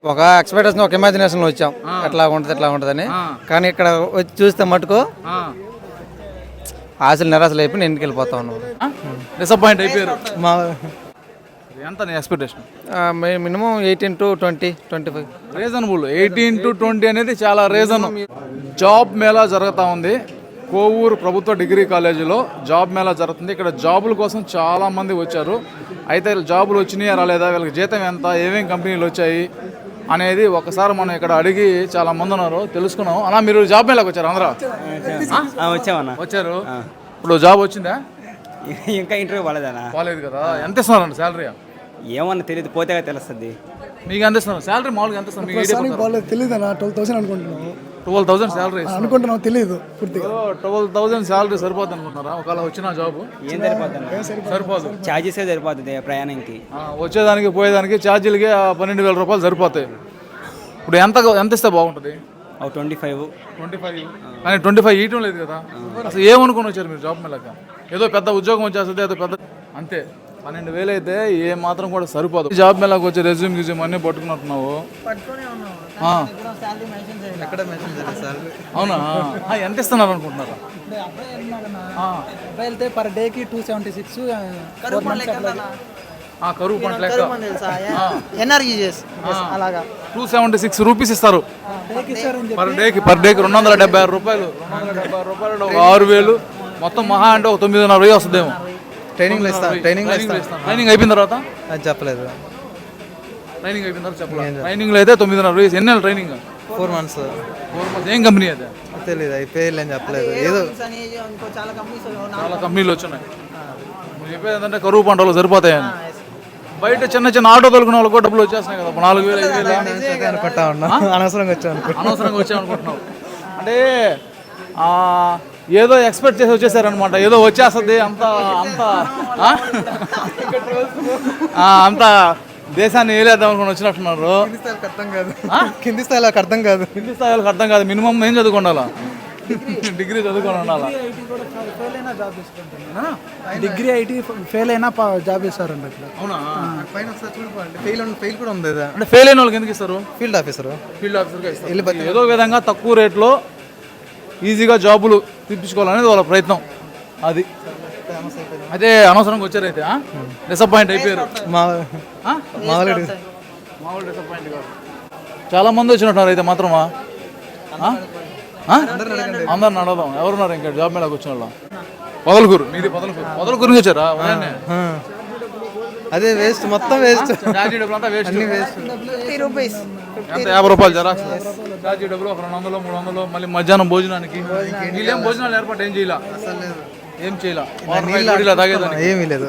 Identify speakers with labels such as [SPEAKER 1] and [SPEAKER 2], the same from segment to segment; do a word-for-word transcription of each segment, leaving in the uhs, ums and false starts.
[SPEAKER 1] ఒక ఎక్స్పెక్టేషన్ ఒక ఇమాజినేషన్ వచ్చాం ఎట్లా ఉంటుంది ఎట్లా ఉంటుందని. కానీ ఇక్కడ వచ్చి చూస్తే మటుకు ఆశలు నిరాశలు అయిపోయి నేను ఇంటికి వెళ్ళిపోతా ఉన్నాను.
[SPEAKER 2] డిసప్పాయింట్ అయిపోయారు.
[SPEAKER 1] మా
[SPEAKER 2] ఎంత నీ expectation?
[SPEAKER 1] Minimum eighteen to twenty twenty five
[SPEAKER 2] reasonable. Eighteen to twenty అనేది చాలా రీజన్. జాబ్ మేళా జరుగుతూ ఉంది కోవూరు ప్రభుత్వ డిగ్రీ కాలేజీలో. జాబ్ మేళా జరుగుతుంది. ఇక్కడ జాబుల కోసం చాలా మంది వచ్చారు. అయితే జాబులు వచ్చినాయా రాలేదా, వీళ్ళకి జీతం ఎంత, ఏమేమి కంపెనీలు వచ్చాయి అనేది ఒకసారి మనం ఇక్కడ అడిగి చాలా మంది ఉన్నారు తెలుసుకున్నాం. అలా మీరు జాబ్ మేళాకి వచ్చారు అందరూ?
[SPEAKER 3] వచ్చామన్నా.
[SPEAKER 2] వచ్చారు. ఇప్పుడు జాబ్ వచ్చిందా?
[SPEAKER 3] ఇంకా ఇంటర్వ్యూ పోలేదన్నా.
[SPEAKER 2] పోలేదు కదా. ఎంత ఇస్తున్నారండి శాలరీ?
[SPEAKER 3] ఏమన్నా తెలియదు, పోతే తెలుస్తుంది.
[SPEAKER 2] మీకు ఎంత ఇస్తున్నారు శాలరీ? మామూలుగా ఎంత ఇస్తున్నారు?
[SPEAKER 4] తెలియదు అన్న. ట్వెల్వ్ థౌసండ్ అనుకుంటున్నాను.
[SPEAKER 2] ట్వెల్వ్ థౌసండ్ శాలరీ
[SPEAKER 4] అనుకుంటున్నాం, తెలియదు పూర్తిగా.
[SPEAKER 2] ట్వెల్వ్ థౌసండ్ శాలరీ సరిపోతుంది అనుకుంటున్నారా? ఒకవేళ వచ్చిన జాబ్
[SPEAKER 3] ఏం సరిపోతుంది?
[SPEAKER 2] సరిపోదు.
[SPEAKER 3] ఛార్జెసే సరిపోతుంది ప్రయాణంకి.
[SPEAKER 2] వచ్చేదానికి పోయేదానికి ఛార్జీలకి పన్నెండు వేల రూపాయలు సరిపోతాయి. ఇప్పుడు ఎంత ఎంత ఇస్తే బాగుంటుంది?
[SPEAKER 3] ట్వంటీ ఫైవ్
[SPEAKER 2] ట్వంటీ ఫైవ్ కానీ ట్వంటీ ఫైవ్ ఇయటం లేదు కదా. అసలు ఏమనుకుని వచ్చారు మీరు జాబ్ మేళక? ఏదో పెద్ద ఉద్యోగం వచ్చేస్తుంది, ఏదో పెద్ద అంతే. పన్నెండు వేలు అయితే ఏ మాత్రం కూడా సరిపోదు. జాబ్ మేళకు వచ్చి రెజ్యూమ్ గిజ్యూమ్ అన్నీ పట్టుకున్నట్టున్నావు. అవునా? ఎంత ఇస్తున్నారు అనుకుంటున్నారా?
[SPEAKER 4] వెళ్తే పర్ డేకి టూ సెవెంటీ సిక్స్
[SPEAKER 2] కరువు పంట లెక్క
[SPEAKER 4] అలాగా
[SPEAKER 2] టూ సెవెంటీ సిక్స్ రూపీస్ ఇస్తారు పర్ డేకి. పర్ డేకి రెండు వందల డెబ్బై ఆరు రూపాయలు. రెండు వందల డెబ్బై ఆరు రూపాయలు ఒక ఆరు వేలు మొత్తం మహా అంటే ఒక తొమ్మిదిన్నర వెయ్యి వస్తుందేమో.
[SPEAKER 1] ట్రైనింగ్ ట్రైనింగ్
[SPEAKER 2] ట్రైనింగ్ అయిపోయిన తర్వాత
[SPEAKER 1] చెప్పలేదు.
[SPEAKER 2] ట్రైనింగ్ అయిపోయిన తర్వాత చెప్పలేదు. ట్రైనింగ్ లో అయితే తొమ్మిదిన్నర వెయ్యి. ఎన్ని నెలలు training?
[SPEAKER 1] Four months.
[SPEAKER 2] Four months. ఏం కంపెనీ అయితే
[SPEAKER 1] తెలియదు, అయిపోయి అని చెప్పలేదు. ఏదో
[SPEAKER 2] చాలా కంపెనీలు వచ్చినాయి. మీరు చెప్పేది ఏంటంటే కరువు పంటలు సరిపోతాయని. బయట చిన్న చిన్న ఆటో తొలుకున్న వాళ్ళకి కూడా డబ్బులు వచ్చేస్తున్నాయి కదా, నాలుగు వేలు ఐదు వేలు
[SPEAKER 1] అనుకుంటా ఉన్నా. అనవసరంగా వచ్చాను
[SPEAKER 2] అనవసరంగా వచ్చాను అనుకుంటున్నావు. అంటే ఏదో ఎక్స్పెక్ట్ చేసి వచ్చేసారనమాట. ఏదో వచ్చేస్తుంది అంత అంత అంత దేశాన్ని ఏలేద్దాం అనుకుని వచ్చినట్టున్నారు.
[SPEAKER 1] అర్థం కాదు. కింది స్థాయిలో అర్థం కాదు.
[SPEAKER 2] కింది స్థాయిలో అర్థం కాదు. మినిమం ఏం చదువుకోండాలా? డిగ్రీ చదువుకొని ఉండాలా?
[SPEAKER 4] డిగ్రీ ఐటీ ఫెయిల్ అయినా జాబ్ ఇస్తారండి.
[SPEAKER 2] అవునా?
[SPEAKER 1] ఫెయిల్ ఫెయిల్ కూడా ఉంది.
[SPEAKER 2] అంటే ఫెయిల్ అయిన వాళ్ళకి ఎందుకు ఇస్తారు?
[SPEAKER 1] ఫీల్డ్ ఆఫీసర్
[SPEAKER 2] ఫీల్డ్ ఆఫీసర్గా ఏదో విధంగా తక్కువ రేట్లో ఈజీగా జాబులు తెప్పించుకోవాలనేది వాళ్ళ ప్రయత్నం. అది అయితే అనవసరంగా వచ్చారైతే డిసప్పాయింట్ అయిపోయారు.
[SPEAKER 1] మామూలు
[SPEAKER 2] డిసప్పాయింట్ కాదు. చాలా మంది వచ్చినట్టున్నారు అయితే మాత్రమా? అందరిని అడదాం. ఎవరున్నారు ఇంకా జాబ్ మేళకు వచ్చిన వాళ్ళు? పొదలకూరు. మీది పొదలకూరు. పొదలకూరు నుంచి వచ్చారా?
[SPEAKER 1] అదే వేస్ట్, మొత్తం వేస్ట్.
[SPEAKER 2] ఛార్జీ డబ్బులు అంతా వేస్ట్.
[SPEAKER 4] రూపీస్
[SPEAKER 2] ఎంత? యాభై రూపాయలు జరాక్స్ ఛార్జీ డబ్బులు ఒక రెండు వందలు మూడు వందలు. మళ్ళీ మధ్యాహ్నం భోజనానికి వీళ్ళేం భోజనాలు ఏర్పాటు ఏం చేయాల? ఏం చేయాల? తాగేదాన్ని
[SPEAKER 1] ఏమీ లేదు.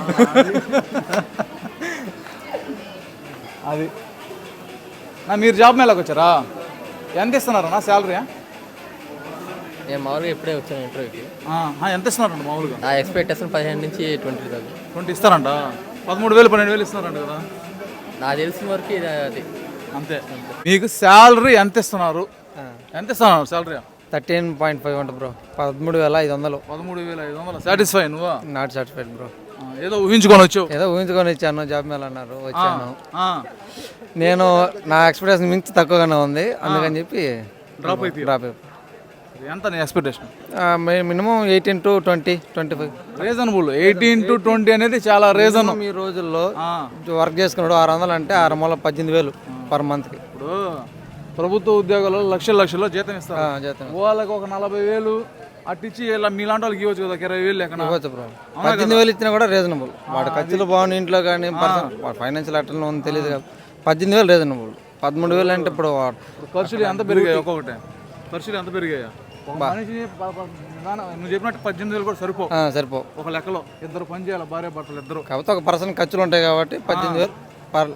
[SPEAKER 2] అది నా మీరు జాబ్ మేళకు వచ్చారా? ఎంత ఇస్తున్నారన్నా శాలరీ?
[SPEAKER 5] నేను మామూలుగా ఎప్పుడే వచ్చాను ఇంటర్వ్యూకి.
[SPEAKER 2] ఎంత ఇస్తున్నారంట మామూలుగా?
[SPEAKER 5] నా ఎక్స్పెక్టేషన్ పదిహేను నుంచి ట్వంటీ దాకా.
[SPEAKER 2] ట్వంటీ ఇస్తారంట. పదమూడు వేలు పన్నెండు వేలు ఇస్తున్నారంట కదా.
[SPEAKER 5] నాకు తెలిసిన వరకు ఇది అది
[SPEAKER 2] అంతే. మీకు శాలరీ ఎంత ఇస్తున్నారు? ఎంత ఇస్తున్నారు శాలరీ?
[SPEAKER 1] థర్టీన్ పాయింట్ ఫైవ్ ఉంటుంది బ్రో. పదమూడు వేల ఐదు వందలు.
[SPEAKER 2] పదమూడు వేల ఐదు వందలు. సాటిస్ఫై నువ్వా?
[SPEAKER 1] Not satisfied bro.
[SPEAKER 2] ఏదో ఊహించుకొని వచ్చావు.
[SPEAKER 1] ఏదో ఊహించుకొని వచ్చాను. జాబ్ మేళ అన్నారు, వచ్చాను. నేను నా ఎక్స్పెక్టేషన్ మించి తక్కువగానే ఉంది, అందుకని చెప్పి
[SPEAKER 2] డ్రాప్ అయిపోయి
[SPEAKER 1] డ్రాప్ అయిపోయి.
[SPEAKER 2] ఎంత నీ expectation?
[SPEAKER 1] Minimum eighteen to twenty twenty five
[SPEAKER 2] reasonable. Eighteen to twenty అనేది చాలా రీజన్.
[SPEAKER 1] ఈ రోజుల్లో వర్క్ చేసుకున్నాడు ఆరు వందలు అంటే ఆరు మూల పద్దెనిమిది వేలు పర్ మంత్కి.
[SPEAKER 2] ఇప్పుడు ప్రభుత్వ ఉద్యోగాల్లో లక్షల లక్షల్లో జీతం ఇస్తారు.
[SPEAKER 1] జీతం
[SPEAKER 2] వాళ్ళకి ఒక నలభై వేలు అట్టించి ఇలా మీలాంటి వాళ్ళకి ఇవ్వచ్చు కదా, ఇరవై వేలు లెక్కన
[SPEAKER 1] ఇవ్వచ్చు బ్రో. పద్దెనిమిది వేలు ఇచ్చినా కూడా రీజనబుల్. వాటి ఖర్చులు బాగుంది ఇంట్లో కానీ ఫైనాన్షియల్ అట్లా ఉంది తెలియదు కదా. పద్దెనిమిది వేలు రీజనబుల్. పదమూడు వేలు అంటే ఇప్పుడు
[SPEAKER 2] ఖర్చులు ఎంత పెరిగాయి? ఒక్కొక్కటే ఖర్చులు ఎంత పెరిగాయా? మనిషి నువ్వు చెప్పినట్టు పద్దెనిమిది వేలు కూడా సరిపో
[SPEAKER 1] సరిపో
[SPEAKER 2] ఒక లెక్కలో. ఇద్దరు పని చేయాలి, భార్య భర్తలు ఇద్దరు.
[SPEAKER 1] కాకపోతే ఒక పర్సన్ ఖర్చులు ఉంటాయి కాబట్టి పద్దెనిమిది వేలు పర్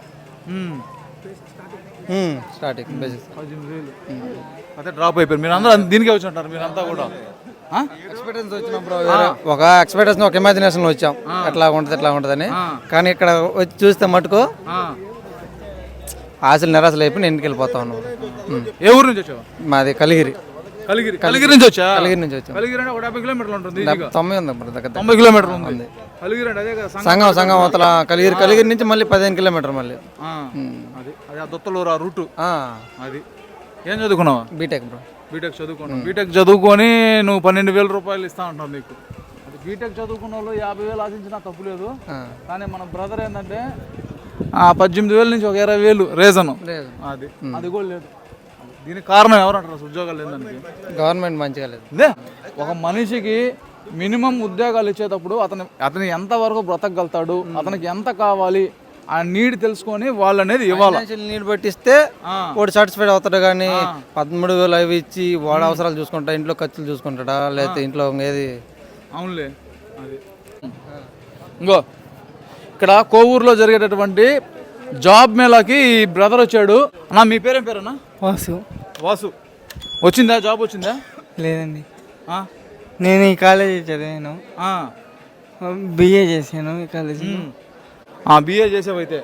[SPEAKER 1] స్టార్టింగ్ బేసిక్.
[SPEAKER 2] పద్దెనిమిది వేలు అదే డ్రాప్ అయిపోయారు. మీరు అందరూ దీనికే వచ్చి ఉంటారు మీరంతా కూడా.
[SPEAKER 1] ఎక్స్పెక్టేషన్ వచ్చిన బ్రో. ఒక ఎక్స్పెక్టేషన్ ఒక ఇమాజినేషన్ వచ్చాం ఎట్లా ఉంటుంది ఎట్లా ఉంటుందని. కానీ ఇక్కడ వచ్చి చూస్తే మటుకు ఆశలు నిరాశలు అయిపోయి నేను ఇంటికి వెళ్ళిపోతా ఉన్నాను.
[SPEAKER 2] ఏ ఊరు నుంచి వచ్చావు?
[SPEAKER 1] మాది కలిగిరి.
[SPEAKER 2] కలిగిరి కలిగిరి నుంచి వచ్చా
[SPEAKER 1] కలిగిరి నుంచి వచ్చాం.
[SPEAKER 2] కలిగిరి అంటే ఒక డెబ్బై కిలోమీటర్లు ఉంటుంది ఈజీగా.
[SPEAKER 1] తొంభై ఉంది బ్రో దగ్గర.
[SPEAKER 2] తొంభై కిలోమీటర్లు ఉంది కలిగిరి అంటే అదే కదా సంగ-
[SPEAKER 1] సంగం సంగం అవతల కలిగిరి కలిగిరి నుంచి మళ్ళీ పదిహేను కిలోమీటర్ మళ్ళీ
[SPEAKER 2] ఆ, అది అది ఆ దొత్తలూరు ఆ రూటు
[SPEAKER 1] ఆ,
[SPEAKER 2] అది. ఏం చదువుకున్నావా?
[SPEAKER 1] B Tech bro.
[SPEAKER 2] బీటెక్ చదువుకున్నావు. బీటెక్ చదువుకొని నువ్వు పన్నెండు వేల రూపాయలు ఇస్తా అంటావు నీకు. అది బీటెక్ చదువుకున్న వాళ్ళు యాభై వేలు ఆశించినా తప్పు లేదు.
[SPEAKER 1] ఆ,
[SPEAKER 2] కానీ మన బ్రదర్ ఏంటంటే ఆ పద్దెనిమిది వేల నుంచి ఒక ఇరవై వేలు రీజన్
[SPEAKER 1] లేదు.
[SPEAKER 2] అది అది కూడా లేదు. దీనికి కారణం ఎవరంటారు? అసలు ఉద్యోగాలు లేదానికి
[SPEAKER 1] గవర్నమెంట్ మంచిగా లేదు.
[SPEAKER 2] ఇదే ఒక మనిషికి మినిమం ఉద్యోగాలు ఇచ్చేటప్పుడు అతను అతను ఎంతవరకు బ్రతకగలుగుతాడు, అతనికి ఎంత కావాలి ఆ నీడ్ తెలుసుకొని వాళ్ళు అనేది ఇవ్వాలి.
[SPEAKER 1] ఫైనాన్షియల్ నీడ్ బట్టిస్తే
[SPEAKER 2] ఆ.
[SPEAKER 1] వాడు సాటిస్ఫైడ్ అవుతాడు. కానీ పదమూడు వేలు అవి ఇచ్చి వాడు అవసరాలు చూసుకుంటా, ఇంట్లో ఖర్చులు చూసుకుంటాడా, లేకపోతే ఇంట్లో ఏది.
[SPEAKER 2] అవునులే అది. ఇంకో ఇక్కడ కోవూరులో జరిగేటటువంటి జాబ్ మేళాకి ఈ బ్రదర్ వచ్చాడు. అన్నా మీ పేరేం పేరన్నా?
[SPEAKER 6] వాసు.
[SPEAKER 2] వాసు. వచ్చిందా జాబ్ వచ్చిందా?
[SPEAKER 6] లేదండి,
[SPEAKER 2] ఆ?
[SPEAKER 6] నేను ఈ కాలేజీ చదివాను,
[SPEAKER 2] ఆ.
[SPEAKER 6] బిఏ చేశాను ఈ కాలేజీ.
[SPEAKER 2] ఉమ్. ఆ, బిఏ చేసావైతే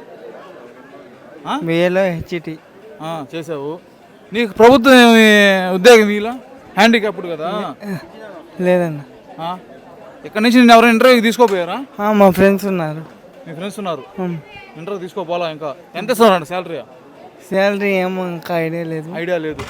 [SPEAKER 6] బిఏలో హెచ్ఈటి.
[SPEAKER 2] ఆ, చేసావు. నీకు ప్రభుత్వం ఏమి ఉద్యోగం ఇలా హ్యాండిక్యాప్డ్ కదా?
[SPEAKER 6] లేదన్న,
[SPEAKER 2] ఆ? ఇక్కడ నుంచి నేను ఎవరైనా ఇంటర్వ్యూకి తీసుకోపోయారా?
[SPEAKER 6] ఆ, మా ఫ్రెండ్స్ ఉన్నారు.
[SPEAKER 2] మీ ఫ్రెండ్స్ ఉన్నారు,
[SPEAKER 6] ఉమ్.
[SPEAKER 2] ఇంటర్వ్యూ తీసుకోపోవాలా? ఇంకా ఎంత ఇస్తున్నారండి శాలరీ?
[SPEAKER 6] శాలరీ ఏమో ఇంకా ఐడియా లేదు.
[SPEAKER 2] ఐడియా లేదు.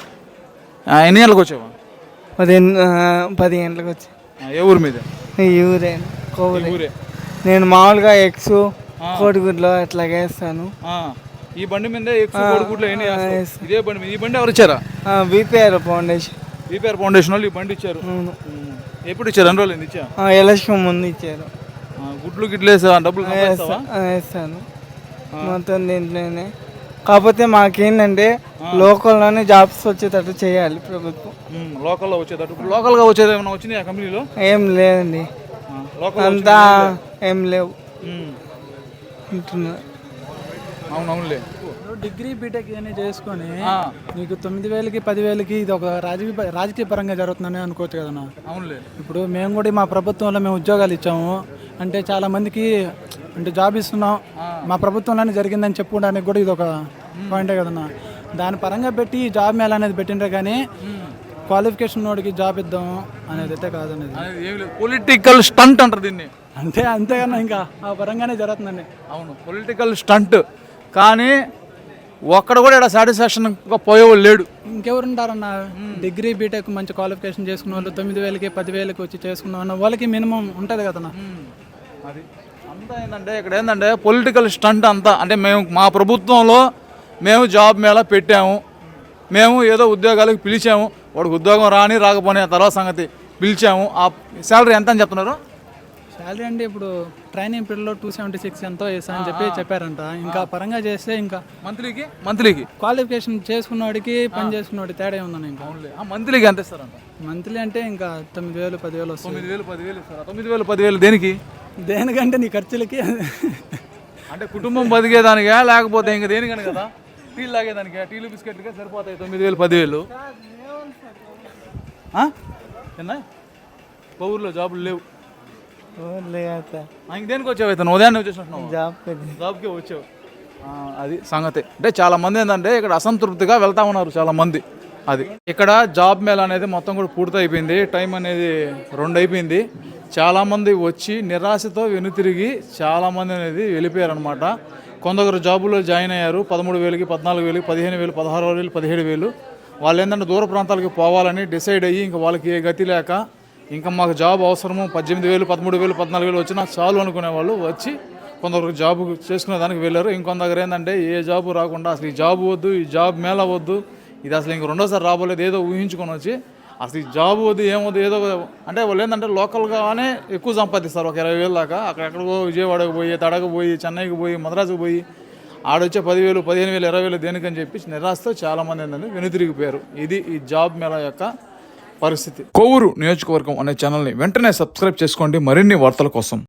[SPEAKER 2] ఆ, ఎన్ని గంటలకు వచ్చావా?
[SPEAKER 6] పదిహేను ఆ, పది గంటలకు వచ్చి.
[SPEAKER 2] ఆ, ఏ ఊరు మీద?
[SPEAKER 6] ఈ ఊరే కోవూరే.
[SPEAKER 2] ఊరే.
[SPEAKER 6] నేను మామూలుగా ఎగ్స్ కోడిగుడ్లో అట్లా వేస్తాను.
[SPEAKER 2] ఆ, ఈ బండి మీద ఎక్కువ కోడిగుడ్లు ఎన్ని వేస్తావు? ఇదే బండి మీద. ఈ బండి ఎవరు ఇచ్చారా?
[SPEAKER 6] BPR foundation.
[SPEAKER 2] బీపీఆర్ ఫౌండేషన్ వాళ్ళు ఈ బండి ఇచ్చారు.
[SPEAKER 6] అవును.
[SPEAKER 2] ఎప్పుడు ఇచ్చారు? ఎన్ని రోజులు ఇచ్చా?
[SPEAKER 6] ఆ, ఎలక్షన్ ముందు ఇచ్చారు.
[SPEAKER 2] గుడ్లు గిడ్లు వేసా డబ్బులు సంపాదిస్తావా?
[SPEAKER 6] ఆ, వేస్తాను మొత్తం దీంట్లోనే. కాకపోతే మాకేంటంటే లోకల్లోనే జాబ్స్ వచ్చేటట్టు చేయాలి ప్రభుత్వం.
[SPEAKER 2] ఉమ్, లోకల్లో వచ్చేటట్టు. ఇప్పుడు లోకల్గా వచ్చేది ఏమైనా వచ్చినాయి ఆ కంపెనీలో?
[SPEAKER 6] ఏం లేదండి,
[SPEAKER 2] ఆ, లోకల్
[SPEAKER 6] అంతా ఏం లేవు
[SPEAKER 2] ఉమ్,
[SPEAKER 6] అంటున్నా.
[SPEAKER 2] అవునవునులే.
[SPEAKER 4] డిగ్రీ బీటెక్ ఇవన్నీ చేసుకొని
[SPEAKER 2] ఆ,
[SPEAKER 4] నీకు తొమ్మిది వేలకి పదివేలకి ఇది ఒక రాజకీయ రాజకీయ పరంగా జరుగుతుందని అనుకోవచ్చు కదన్నా.
[SPEAKER 2] అవునులే.
[SPEAKER 4] ఇప్పుడు మేము కూడా మా ప్రభుత్వంలో మేము ఉద్యోగాలు ఇచ్చాము అంటే చాలా మందికి అంటే జాబ్ ఇస్తున్నాం మా ప్రభుత్వంలోనే జరిగిందని చెప్పుకోవడానికి కూడా ఇది ఒక పాయింటే కదన్నా. దాని పరంగా పెట్టి ఈ జాబ్ మేళ అనేది పెట్టిండ్రే కానీ క్వాలిఫికేషన్ వాడికి జాబ్ ఇద్దాం అనేది అయితే కాదనేది.
[SPEAKER 2] అనేది ఏమి లేదు. పొలిటికల్ స్టంట్ అంటారు దీన్ని.
[SPEAKER 4] అంతే అంతేకన్నా ఇంకా ఆ పరంగానే జరుగుతుందండి.
[SPEAKER 2] అవును, పొలిటికల్ స్టంట్. కానీ ఒక్కడ కూడా ఇక్కడ సాటిస్ఫాక్షన్గా పోయేవాళ్ళు లేడు.
[SPEAKER 4] ఇంకెవరు ఉంటారన్న డిగ్రీ బీటెక్ మంచి క్వాలిఫికేషన్ చేసుకున్న వాళ్ళు తొమ్మిది వేలకి పదివేలకి వచ్చి చేసుకున్న వాళ్ళు వాళ్ళకి మినిమం ఉంటుంది కదన్నా.
[SPEAKER 2] అది అంతా ఏంటంటే ఇక్కడ ఏంటంటే పొలిటికల్ స్టంట్ అంతా. అంటే మేము మా ప్రభుత్వంలో మేము జాబ్ మేళ పెట్టాము, మేము ఏదో ఉద్యోగాలకు పిలిచాము, వాడికి ఉద్యోగం రాని రాకపోని ఆ తర్వాత సంగతి పిలిచాము. ఆ శాలరీ ఎంత అని చెప్తున్నారు?
[SPEAKER 4] శాలరీ అంటే ఇప్పుడు ట్రైనింగ్ పీరియడ్లో టూ సెవెంటీ సిక్స్ ఎంతో వేసా అని చెప్పి చెప్పారంట. ఇంకా పరంగా చేస్తే ఇంకా
[SPEAKER 2] మంత్లీకి మంత్లీకి
[SPEAKER 4] క్వాలిఫికేషన్ చేసుకున్నవాడికి పని చేసుకున్నవాడి తేడా ఉందన్న. ఇంకా
[SPEAKER 2] ఆ మంత్లీకి ఎంత ఇస్తారంట?
[SPEAKER 4] మంత్లీ అంటే ఇంకా తొమ్మిది వేలు పదివేలు వస్తుంది.
[SPEAKER 2] తొమ్మిది వేలు పదివేలు ఇస్తారా? తొమ్మిది వేలు పదివేలు దేనికి?
[SPEAKER 4] దేనికంటే నీ ఖర్చులకి.
[SPEAKER 2] అంటే కుటుంబం బతికేదానికా లేకపోతే ఇంకా దేనికని కదా? టీలు తాగేదానికా? టీలు బిస్కెట్లుగా సరిపోతాయి తొమ్మిది వేలు పదివేలు. ఎన్నా కోవూరులో జాబులు లేవు. ఇంక దేనికి వచ్చావు అయితే? ఉదయాన్నే వచ్చేసినట్టున్నావు.
[SPEAKER 6] జాబ్
[SPEAKER 2] జాబ్కే వచ్చావు. ఆ, అది సంగతి. అంటే చాలా మంది ఏంటంటే ఇక్కడ అసంతృప్తిగా వెళ్తా ఉన్నారు చాలా మంది. అది ఇక్కడ జాబ్ మేళ అనేది మొత్తం కూడా పూర్తి అయిపోయింది. టైం అనేది రెండు అయిపోయింది. చాలామంది వచ్చి నిరాశతో వెనుతిరిగి చాలామంది అనేది వెళ్ళిపోయారనమాట. కొందరు జాబులో జాయిన్ అయ్యారు. పదమూడు వేలకి పద్నాలుగు వేలకి పదిహేను వేలు పదహారు వేలు పదిహేడు వేలు వాళ్ళు ఏంటంటే దూర ప్రాంతాలకి పోవాలని డిసైడ్ అయ్యి ఇంకా వాళ్ళకి ఏ గతి లేక ఇంకా మాకు జాబ్ అవసరము, పద్దెనిమిది వేలు పదమూడు వేలు పద్నాలుగు వేలు వచ్చినా చాలు అనుకునే వాళ్ళు వచ్చి కొందరు జాబ్ చేసుకునే దానికి వెళ్ళారు. ఇంకొందరు ఏంటంటే ఏ జాబు రాకుండా అసలు ఈ జాబ్ వద్దు, ఈ జాబ్ మేళ వద్దు, ఇది అసలు ఇంక రెండోసారి రాబోలేదు ఏదో ఊహించుకొని వచ్చి అసలు ఈ జాబ్ వద్దు ఏమొద్దు ఏదో అంటే వాళ్ళు ఏంటంటే లోకల్గానే ఎక్కువ సంపాదిస్తారు. ఒక ఇరవై వేలు దాకా అక్కడెక్కడికో విజయవాడకు పోయి, తడకు పోయి, చెన్నైకి పోయి, మద్రాసుకు పోయి ఆడొచ్చే పదివేలు పదిహేను వేలు ఇరవై వేలు దేనికని చెప్పి నిరాశతో చాలామంది ఏంటంటే వెనుతిరిగిపోయారు. ఇది ఈ జాబ్ మేళ యొక్క పరిస్థితి. కోవూరు నియోజకవర్గం అనే ఛానల్ని వెంటనే సబ్స్క్రైబ్ చేసుకోండి మరిన్ని వార్తల కోసం.